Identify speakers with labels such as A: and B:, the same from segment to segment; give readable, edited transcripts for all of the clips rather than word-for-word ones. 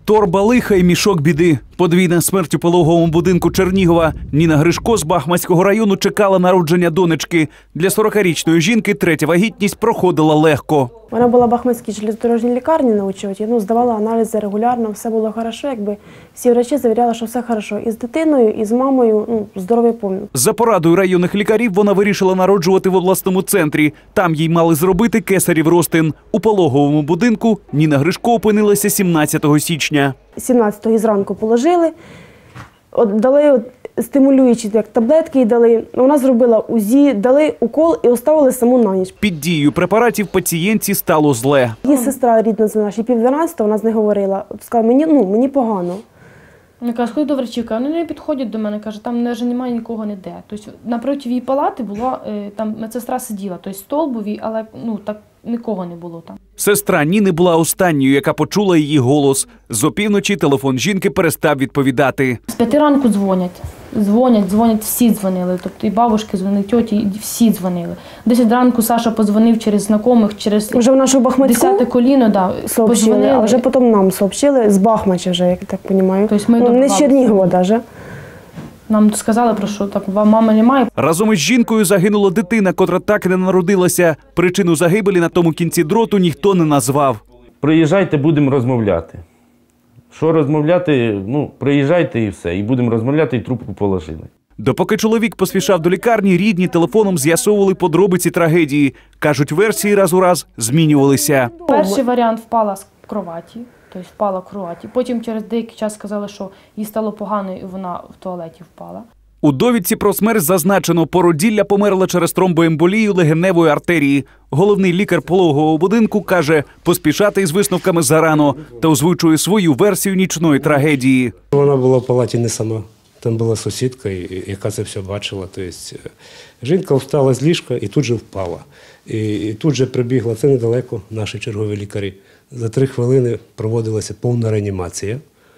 A: Торба лиха і мішок біди. Подвійна смерть у пологовому будинку Чернігова. Ніна Гришко з Бахмацького району чекала народження донечки. Для 40-річної жінки третя вагітність проходила легко.
B: Вона була в Бахмацькій железнодорожній лікарні на учоті, здавала аналізи регулярно, все було добре, якби всі врачі завіряли, що все добре. І з дитиною, і з мамою, здоров'я повне.
A: За порадою районних лікарів вона вирішила народжувати в обласному центрі. Там їй мали зробити кесарів розтин. У пологовому будинку Ніна Гришко опинилася 17 січня.
B: 17-го зранку положили, дали стимулюючі таблетки, їй дали. Вона зробила УЗІ, дали укол і оставили саму на ніч.
A: Під дією препаратів пацієнтці стало зле.
B: Її сестра рідна знала, що 10:30 вона з нею говорила. Сказала, мені погано.
C: Я кажу, сходи до врачівки, вони не підходять до мене, каже, там вже немає нікого ніде. Тобто напроти її палати була, там медсестра сиділа, тобто столбові, але так нікого не було там.
A: Сестра Ніни була останньою, яка почула її голос. З опівночі телефон жінки перестав відповідати.
C: З 5 ранку дзвонять, всі дзвонили. Тобто і бабушки дзвонили, тьоті, і всі дзвонили. 10 ранку Саша подзвонив через знайомих, через
B: вже в нашу Бахмацьку
C: 10-те коліно,
B: сообщили, а вже потім нам сообщили, з Бахмача вже, як так розумію.
C: Тобто
B: не з Чернігова навіть.
C: Нам сказали, про що так, мами немає.
A: Разом із жінкою загинула дитина, котра так і не народилася. Причину загибелі на тому кінці дроту ніхто не назвав.
D: Приїжджайте, будемо розмовляти. Що розмовляти? Приїжджайте і все. І будемо розмовляти, і трубку положили.
A: Допоки чоловік поспішав до лікарні, рідні телефоном з'ясовували подробиці трагедії. Кажуть, версії раз у раз змінювалися.
C: Перший варіант – впала з кроваті. Тобто впала в кроваті. Потім через деякий час сказали, що їй стало погано і вона в туалеті впала.
A: У довідці про смерть зазначено, породілля померла через тромбоемболію легеневої артерії. Головний лікар пологового будинку каже, поспішати із висновками зарано та озвучує свою версію нічної трагедії.
E: Вона була в палаті не сама. Там була сусідка, яка це все бачила. Тобто, жінка встала з ліжка і тут же впала. І тут же прибігла, це недалеко, наші чергові лікарі. За 3 хвилини проводилася повна реанімація.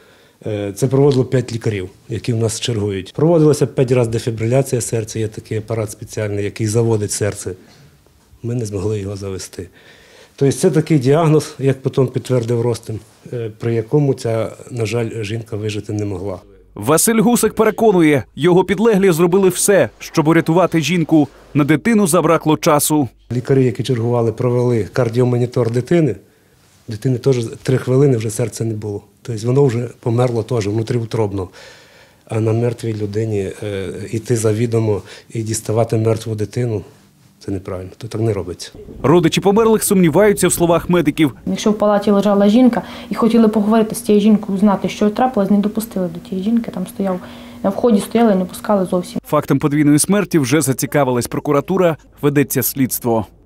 E: Це проводило 5 лікарів, які в нас чергують. Проводилася 5 разів дефібриляція серця, є такий апарат спеціальний, який заводить серце. Ми не змогли його завести. Тобто це такий діагноз, як потім підтвердив Ростин, при якому ця, на жаль, жінка вижити не могла.
A: Василь Гусик переконує, його підлеглі зробили все, щоб урятувати жінку. На дитину забракло часу.
E: Лікарі, які чергували, провели кардіомонітор дитини. Дитини теж 3 хвилини вже серця не було. Тобто воно вже померло теж внутріутробно. А на мертвій людині йти завідомо і діставати мертву дитину – це неправильно, то так не робиться.
A: Родичі померлих сумніваються в словах медиків.
C: Якщо в палаті лежала жінка і хотіли поговорити з тією жінкою, узнати, що трапилось, не допустили до тієї жінки, там стояв, на вході стояли і не пускали зовсім.
A: Фактом подвійної смерті вже зацікавилась прокуратура, ведеться слідство.